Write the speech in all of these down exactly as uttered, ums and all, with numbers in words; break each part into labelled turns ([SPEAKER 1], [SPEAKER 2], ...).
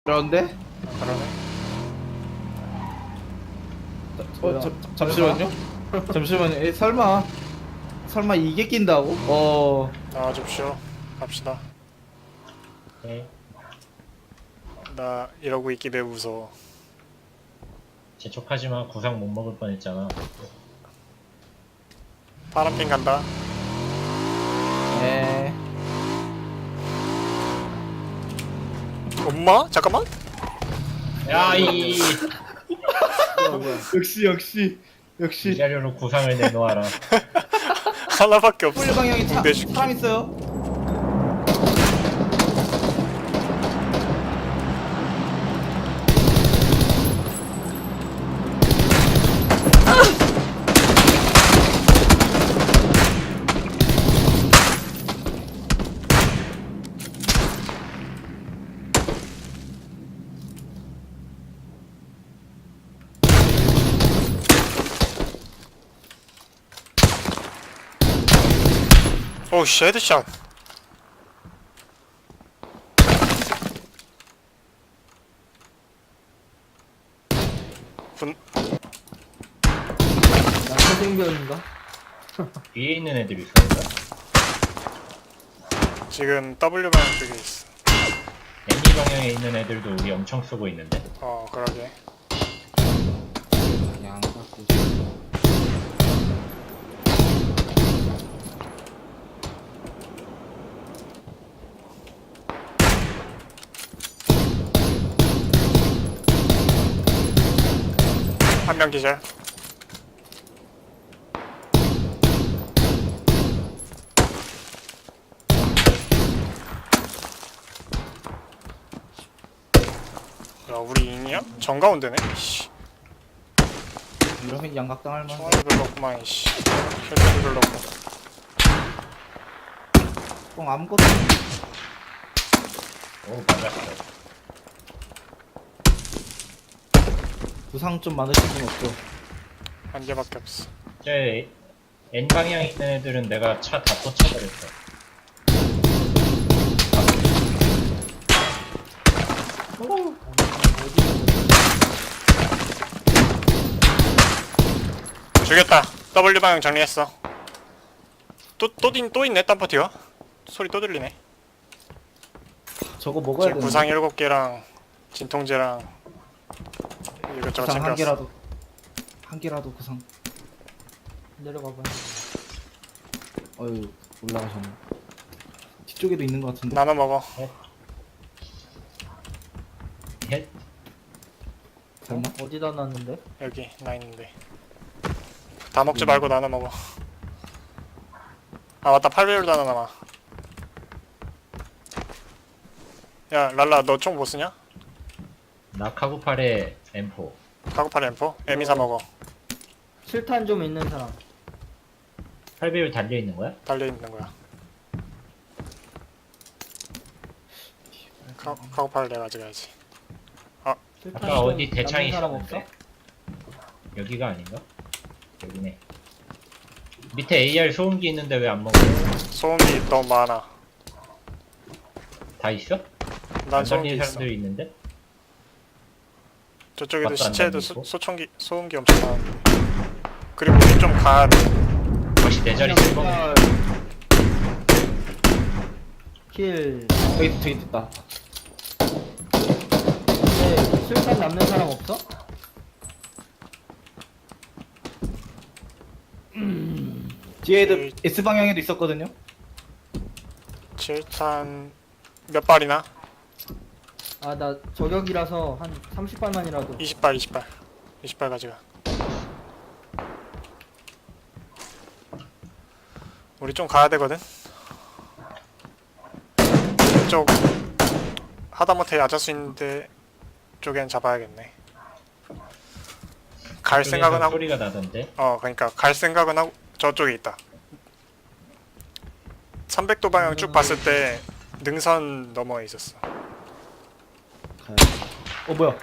[SPEAKER 1] 그런데?
[SPEAKER 2] 아, 그러네.
[SPEAKER 1] 어, 자, 잠시만요. 잠시만요. 에, 설마 설마 이게 낀다고? 어.
[SPEAKER 2] 나와줍시오. 갑시다.
[SPEAKER 3] 네.
[SPEAKER 2] 나 이러고 있기 매우 무서워.
[SPEAKER 3] 재촉하지마. 구상 못 먹을 뻔했잖아.
[SPEAKER 2] 파란핑 간다.
[SPEAKER 1] 에.
[SPEAKER 2] 엄마? 잠깐만.
[SPEAKER 3] 야, 이, 이
[SPEAKER 1] 역시 역시 역시.
[SPEAKER 3] 자료로 구상을 내놓아라.
[SPEAKER 2] 하나밖에 없어.
[SPEAKER 1] 폴 방향에 차,
[SPEAKER 2] 붕대 줄게.
[SPEAKER 1] 사람 있어요.
[SPEAKER 2] 오우 씨, 헤드샷. 분
[SPEAKER 4] 약간 생겼는가?
[SPEAKER 3] 위에 있는 애들이 있었는가?
[SPEAKER 2] 지금 W 방향 쪽에 있어.
[SPEAKER 3] 애니 방향에 있는 애들도 우리 엄청 쏘고 있는데?
[SPEAKER 2] 어, 그러게.
[SPEAKER 1] 그냥 갖고.
[SPEAKER 2] 한 명 기절. 야, 우리 인이야? 정가운데네. 씨.
[SPEAKER 1] 이러면 양각당할 만.
[SPEAKER 2] 총알이 별로 없구만. 씨. 혈전이 별로 없고.
[SPEAKER 1] 뻥 아무것도. 없네.
[SPEAKER 3] 오, 맞았어.
[SPEAKER 1] 부상 좀 많으신 분 없죠?
[SPEAKER 2] 한 개밖에 없어.
[SPEAKER 3] 저 N 방향에 있는 애들은 내가 차 다 꽂혀버렸어.
[SPEAKER 2] 죽였다. W 방향 정리했어. 또, 또, 또, 또 있네, 딴 파티가? 소리 또 들리네.
[SPEAKER 1] 저거 먹어야
[SPEAKER 2] 지금
[SPEAKER 1] 되는데.
[SPEAKER 2] 구상 일곱 개랑 진통제랑 이것저것
[SPEAKER 1] 구상 한
[SPEAKER 2] 챙겼어.
[SPEAKER 1] 개라도 한 개라도 구상.
[SPEAKER 4] 내려가봐.
[SPEAKER 1] 어유 올라가셨네. 뒤쪽에도 있는 것 같은데.
[SPEAKER 2] 나눠 먹어.
[SPEAKER 3] 헷?
[SPEAKER 1] 설마?
[SPEAKER 4] 어디다 놨는데?
[SPEAKER 2] 여기 나 있는데. 다 먹지 말고 나눠 먹어. 아 맞다, 팔 배율도 하나 남아. 야 랄라, 너 총 뭐 쓰냐?
[SPEAKER 3] 나 카구팔에 엠 사.
[SPEAKER 2] 카고팔 엠포? 에미사 먹어.
[SPEAKER 4] 칠탄 좀 있는 사람.
[SPEAKER 3] 팔 배율 달려있는 거야?
[SPEAKER 2] 달려있는 거야. 카, 카고팔을 내가 가져가야지.
[SPEAKER 4] 칠탄
[SPEAKER 3] 아까
[SPEAKER 4] 좀
[SPEAKER 3] 어디 대창이
[SPEAKER 4] 남는 사람 없어?
[SPEAKER 3] 있었는데? 여기가 아닌가? 여기네. 밑에 에이알 소음기 있는데 왜 안 먹어?
[SPEAKER 2] 소음기 너무 많아.
[SPEAKER 3] 다 있어?
[SPEAKER 2] 난
[SPEAKER 3] 안
[SPEAKER 2] 소음기
[SPEAKER 3] 달리는
[SPEAKER 2] 있어.
[SPEAKER 3] 사람들이 있는데?
[SPEAKER 2] 저쪽에도
[SPEAKER 3] 맞도 안
[SPEAKER 2] 시체에도
[SPEAKER 3] 달리고?
[SPEAKER 2] 소, 소총기, 소음기 엄청 많은데. 그리고 우리 좀 가야 돼.
[SPEAKER 3] 역시 내 자리 쓸 거면
[SPEAKER 4] 킬.
[SPEAKER 1] 저기 저기 있다.
[SPEAKER 4] 네, 칠탄 남는 사람 없어?
[SPEAKER 1] 뒤에도
[SPEAKER 2] 그-
[SPEAKER 1] S 방향에도 있었거든요.
[SPEAKER 2] 칠탄 몇 발이나?
[SPEAKER 4] 아, 나 저격이라서 한 삼십 발만이라도.
[SPEAKER 2] 이십 발, 이십 발. 이십 발 가져가. 우리 좀 가야 되거든? 이쪽 하다못해 야자수 있는데 쪽엔 잡아야겠네. 갈 생각은 하고,
[SPEAKER 3] 소리가 나던데?
[SPEAKER 2] 어 그러니까 갈 생각은 하고. 저쪽에 있다. 삼백 도 방향 쭉 봤을 때 능선 너머에 있었어.
[SPEAKER 1] 어 뭐야?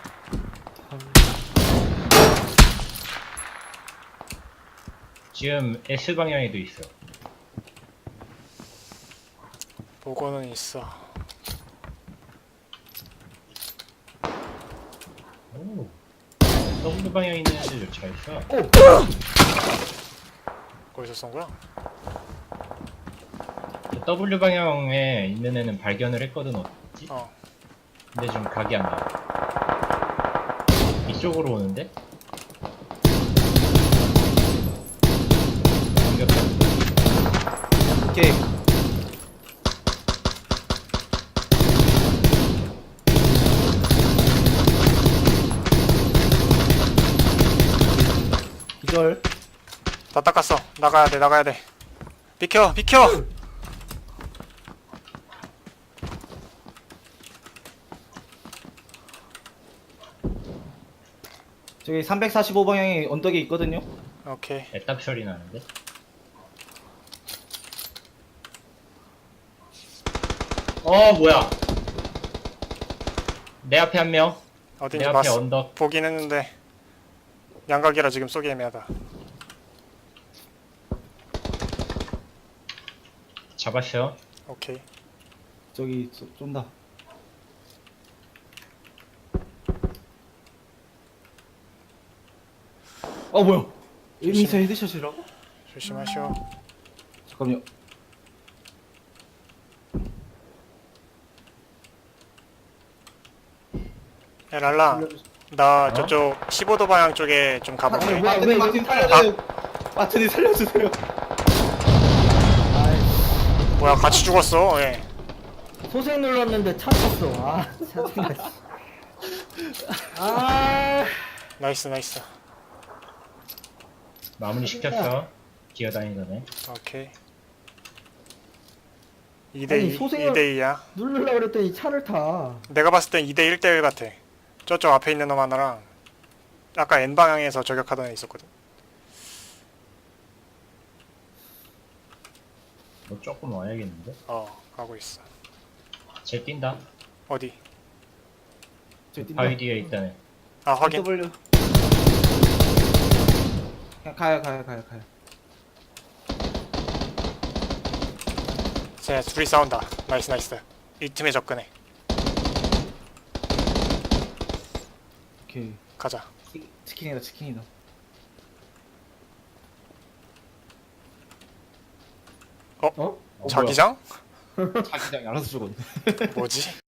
[SPEAKER 3] 지금 S 방향에도 있어.
[SPEAKER 2] 보고는 있어.
[SPEAKER 3] W 방향에 있는 애들 잘 쏴.
[SPEAKER 2] 거기서 쏜 거야?
[SPEAKER 3] W 방향에 있는 애는 발견을 했거든. 어디?
[SPEAKER 2] 어.
[SPEAKER 3] 근데 좀 각이 안 나와. 이쪽으로 오는데? 공격해.
[SPEAKER 1] 오케이. 기절.
[SPEAKER 2] 다 닦았어. 나가야 돼, 나가야 돼. 비켜, 비켜!
[SPEAKER 1] 저기 삼백사십오 방향에 언덕에 있거든요.
[SPEAKER 2] 오케이.
[SPEAKER 3] 애답 처리 나는데? 어 뭐야? 내 앞에 한 명. 내
[SPEAKER 2] 어딘지
[SPEAKER 3] 앞에
[SPEAKER 2] 봤어.
[SPEAKER 3] 언덕.
[SPEAKER 2] 보긴 했는데 양각이라 지금 쏘기 애매하다.
[SPEAKER 3] 잡았어.
[SPEAKER 2] 오케이.
[SPEAKER 1] 저기 쏘- 쏜다. 어 뭐야? 에미사 헤드샷이라고?
[SPEAKER 2] 조심하시오.
[SPEAKER 1] 잠깐만요.
[SPEAKER 2] 야 랄라, 나
[SPEAKER 3] 어?
[SPEAKER 2] 저쪽 십오 도 방향 쪽에 좀 가볼게.
[SPEAKER 4] 왜, 왜,
[SPEAKER 1] 마트님
[SPEAKER 4] 왜,
[SPEAKER 1] 마트님 살려주세요. 마트님 살려주세요.
[SPEAKER 4] 아이,
[SPEAKER 2] 뭐야, 같이 죽었어. 예.
[SPEAKER 4] 소생 눌렀는데 차 탔어. 아, 짜증나. 씨. 아,
[SPEAKER 2] 나이스, 나이스.
[SPEAKER 3] 마무리 시켰어. 기어다니던 애.
[SPEAKER 2] 오케이. 이 대
[SPEAKER 4] 아니,
[SPEAKER 2] 이,
[SPEAKER 4] 소생을-
[SPEAKER 2] 이 대 이야.
[SPEAKER 4] 누르려고 그랬더니 차를 타.
[SPEAKER 2] 내가 봤을 땐 이 대 일 대 일 같아. 저쪽 앞에 있는 놈 하나랑 아까 N 방향에서 저격하던 애 있었거든.
[SPEAKER 3] 너 조금 와야겠는데?
[SPEAKER 2] 어, 가고 있어.
[SPEAKER 3] 쟤 뛴다.
[SPEAKER 2] 어디?
[SPEAKER 1] 저 뛴다.
[SPEAKER 3] 바위 뒤에 있다네.
[SPEAKER 2] 아, 확인.
[SPEAKER 1] W. 그냥 가요 가요 가요 가요.
[SPEAKER 2] 쟤 둘이 싸운다. 나이스, 나이스. 이 틈에 접근해.
[SPEAKER 1] 오케이.
[SPEAKER 2] 가자.
[SPEAKER 1] 치- 치킨이다 치킨이다.
[SPEAKER 4] 어?
[SPEAKER 1] 어,
[SPEAKER 2] 자기장?
[SPEAKER 1] 자기장이 알아서 죽었네.
[SPEAKER 2] 뭐지?